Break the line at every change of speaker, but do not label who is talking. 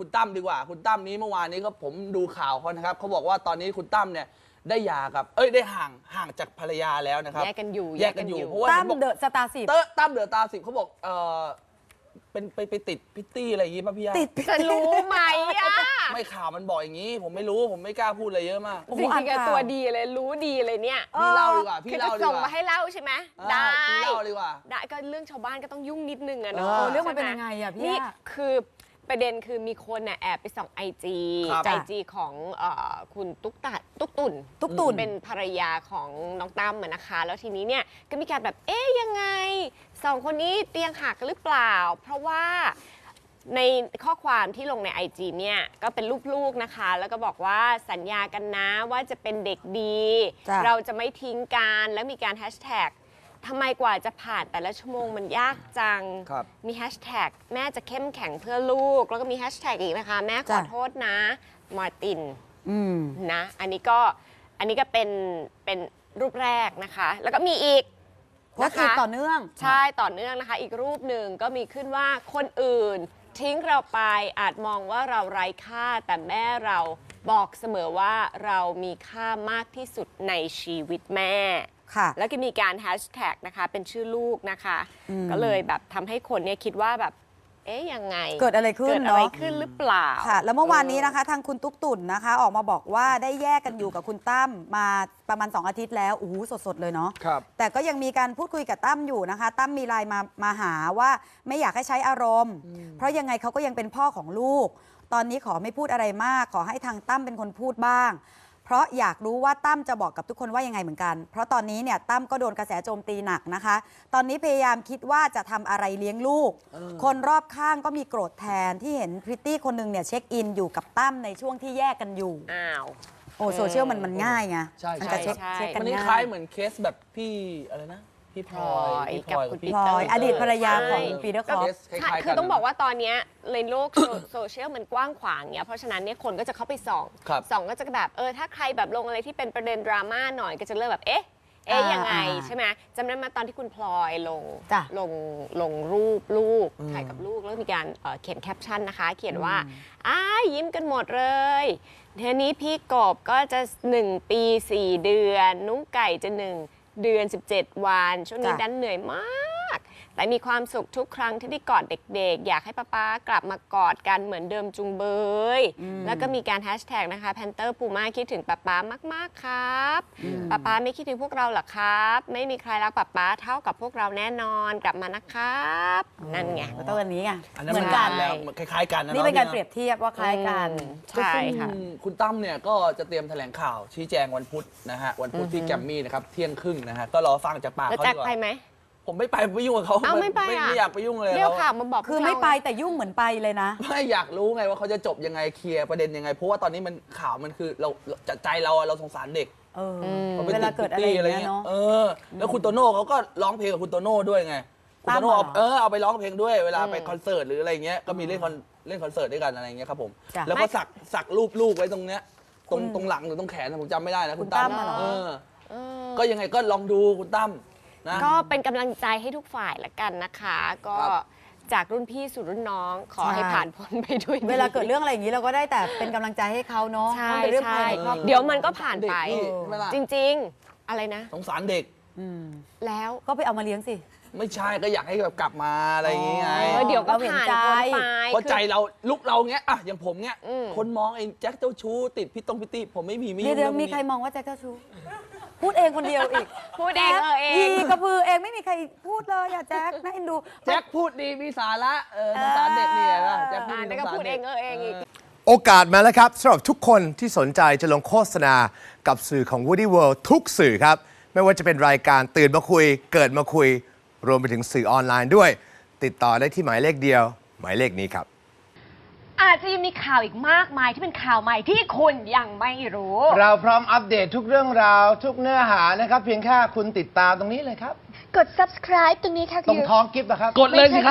คุณตั้มดีกว่าคุณตั้มนี้เมื่อวานนี้ก็ผมดูข่าวเขานะครับเขาบอกว่าตอนนี้คุณตั้มเนี่ยได้หย่ากับได้ห่างจากภรรยาแล้วนะครับ
แยกกันอยู่
เพราะว่า
ตั้มเดอะสตาร์10
ตั้มเดอะตา10เขาบอกเป็นไปติดพิตตี้อะไรอย่างงี้ป่ะพี่ย่า
ติด
จะรู้ไหมอ่ะ
ไม่ข่าวมันบอกอย่างนี้ผมไม่รู้ผมไม่กล้าพูดอะไรเยอะมาก
จริงๆตัวดีเลยรู้ดีเลยเนี่ย
พี่เล่าดีกว่าพี่
คือ
เล่า
จะ
ดี
ส่ง
กว่า
มาให้เล่าใช่ไหมได้
พี่เล่าดีกว่า
ได้ก็เรื่องชาวบ้านก็ต้องยุ่งนิดนึงอะเนาะ
เรื่องมันเป็นยังไงอะพี่
นี่คือประเด็นคือมีคนน่ะแอบไปส่องไอจีของคุณตุ๊กตุ่นเป็นภรรยาของน้องตั้มนะคะแล้วทีนี้เนี่ยก็มีการแบบยังไงสองคนนี้เตียงหักหรือเปล่าเพราะว่าในข้อความที่ลงใน IG เนี่ยก็เป็นรูปลูกนะคะแล้วก็บอกว่าสัญญากันนะว่าจะเป็นเด็กดีเราจะไม่ทิ้งกันแล้วมีการแฮชแท็กทำไมกว่าจะผ่านแต่ละชั่วโมงมันยากจังมีแฮชแท็กแม่จะเข้มแข็งเพื่อลูกแล้วก็มีแฮชแท็กอีกนะคะแม่ขอโทษนะมาร์ตินนะอันนี้ก็เป็นรูปแรกนะคะแล้วก็มีอีก
นะคะต่อเนื่อง
ใช่ต่อเนื่องนะคะอีกรูปหนึ่งก็มีขึ้นว่าคนอื่นทิ้งเราไปอาจมองว่าเราไร้ค่าแต่แม่เราบอกเสมอว่าเรามีค่ามากที่สุดในชีวิตแม่แล้วก็มีการแฮชแท็กนะคะเป็นชื่อลูกนะคะก็เลยแบบทำให้คนเนี่ยคิดว่าแบบยังไง
เกิดอะไรขึ้น
หรือเปล่า
ค่ะแล้วเมื่อวานนี้นะคะทางคุณตุ๊กตุ่นนะคะออกมาบอกว่าได้แยกกันอยู่กับคุณตั้มมาประมาณ2 อาทิตย์แล้วโอ้โหสดๆเลยเนาะแต่ก็ยังมีการพูดคุยกับตั้มอยู่นะคะตั้มมีไลน์มาหาว่าไม่อยากให้ใช้อารมณ์เพราะยังไงเขาก็ยังเป็นพ่อของลูกตอนนี้ขอไม่พูดอะไรมากขอให้ทางตั้มเป็นคนพูดบ้างเพราะอยากรู้ว่าตั้มจะบอกกับทุกคนว่ายังไงเหมือนกันเพราะตอนนี้เนี่ยตั้มก็โดนกระแสโจมตีหนักนะคะตอนนี้พยายามคิดว่าจะทำอะไรเลี้ยงลูกคนรอบข้างก็มีโกรธแทนที่เห็นพริตตี้คนหนึ่งเนี่ยเช็คอินอยู่กับตั้มในช่วงที่แยกกันอยู่โซเชียลมันง่ายไงมันจะเช็คกันง่าย
มันคล้ายเหมือนเคสแบบพี่อะไรนะพี่พลอย
กับคุณ
พลอยอดีตภรรยาของปีเตอร์คอป
คือต้องบอกว่าตอนนี้ในโลกโซเชียลมันกว้างขวางเงี้ยเพราะฉะนั้นเนี่ยคนก็จะเข้าไปส่องก็จะแบบถ้าใครแบบลงอะไรที่เป็นประเด็นดราม่าหน่อยก็จะเริ่มแบบยังไงใช่ไหมจำได้ไหมตอนที่คุณพลอยลงรูปลูกถ่ายกับลูกแล้วมีการเขียนแคปชั่นนะคะเขียนว่ายิ้มกันหมดเลยทีนี้พี่กบก็จะ1 ปี 4 เดือนนุ้งไก่จะ1 เดือน 17 วันช่วงนี้ดันเหนื่อยมากแต่มีความสุขทุกครั้งที่ได้กอดเด็กๆอยากให้ป๊ากลับมากอดกันเหมือนเดิมจุงเบยแล้วก็มีการแฮชแท็กนะคะแพนเตอร์ปูม่าคิดถึงป๊ามากๆครับป๊าไม่คิดถึงพวกเราหรอครับไม่มีใครรักป๊าเท่ากับพวกเราแน่นอนกลับมานะครับนั่นไง
ก็ตัวนี้ไง
เหมือนกันแล้วคล้ายๆกัน
นี่เป็นการเปรียบเทียบว่าคล้ายกัน
ใช่ค่ะ
คุณตั้มเนี่ยก็จะเตรียมแถลงข่าวชี้แจงวันพุธนะฮะวันพุธที่แกรมมี่นะครับเที่ยงครึ่งนะฮะก็รอฟังจากปากเขาดีกว่า
ไปไหม
ผมไม่ไปไม่ยุ่งกับเขาไม่อยากไปยุ่งเลย
เรียกข่าวมาบอก
คือไม่ไปแต่ยุ่งเหมือนไปเลยนะ
ไม่อยากรู้ไงว่าเขาจะจบยังไงเคลียร์ประเด็นยังไงเพราะว่าตอนนี้มันข่าวมันคือเราใจเราสงสารเด็ก
เวลาเกิดอะไรอย่างเงี้ยเนาะ
แล้วคุณโตโน่เขาก็ร้องเพลงกับคุณโตโน่ด้วยไงคุณโตโน่เอาไปร้องเพลงด้วยเวลาไปคอนเสิร์ตหรืออะไรเงี้ยก็มีเล่นคอนเสิร์ตด้วยกันอะไรเงี้ยครับผมแล้วก็สักรูปลูกไว้ตรงเนี้ยตรงหลังหรือตรงแขนผมจำไม่ได้นะคุณตั้มก็ยังไงก็ลองดูคุณตั้ม
ก็เป็นกำลังใจให้ทุกฝ่ายละกันนะคะก็จากรุ่นพี่สู่รุ่นน้องขอให้ผ่านพ้นไปด้วย
เวลาเกิดเรื่องอะไรอย่างนี้เราก็ได้แต่เป็นกำลังใจให้เขาเนาะ
ใช่เดี๋ยวมันก็ผ่านไปจริงๆอะไรนะ
สงสารเด็ก
แล้ว
ก็ไปเอามาเลี้ยงสิ
ไม่ใช่ก็อยากให้แบบกลับมาอะไรอย่างเงี้ย
เดี๋ยวก็ผ่านพ้นไป
เพราะใจเราลุกเราเงี้ยอย่างผมเงี้ยคนมองไอ้แจ็คเจ้าชู้ติดพิตี้ผมไม่มี
เดี๋ยวมีใครมองว่าแจ็คเจ้าชู้พูดเองคนเดียวอีก
พูดเอง
ยีกระพือเองไม่มีใครพูดเลยแจ็คน่าเอ็นดู
แจ็คพูดดีมีสาระสงสารเด็กเนี่ยนะแจ็ค
พูดเองอีก
โอกาสมาแล้วครับสำหรับทุกคนที่สนใจจะลงโฆษณากับสื่อของ Woody World ทุกสื่อครับไม่ว่าจะเป็นรายการตื่นมาคุยเกิดมาคุยรวมไปถึงสื่อออนไลน์ด้วยติดต่อได้ที่หมายเลขเดียวหมายเลขนี้ครับ
อาจจะยังมีข่าวอีกมากมายที่เป็นข่าวใหม่ที่คุณยังไม่รู้
เราพร้อมอัปเดตทุกเรื่องราวทุกเนื้อหานะครับเพียงแค่คุณติดตามตรงนี้เลยครับ
กด subscribe ตรงนี้ค่ะ
ตรงท้องกิฟต์นะครับ
กดเลยสิครับ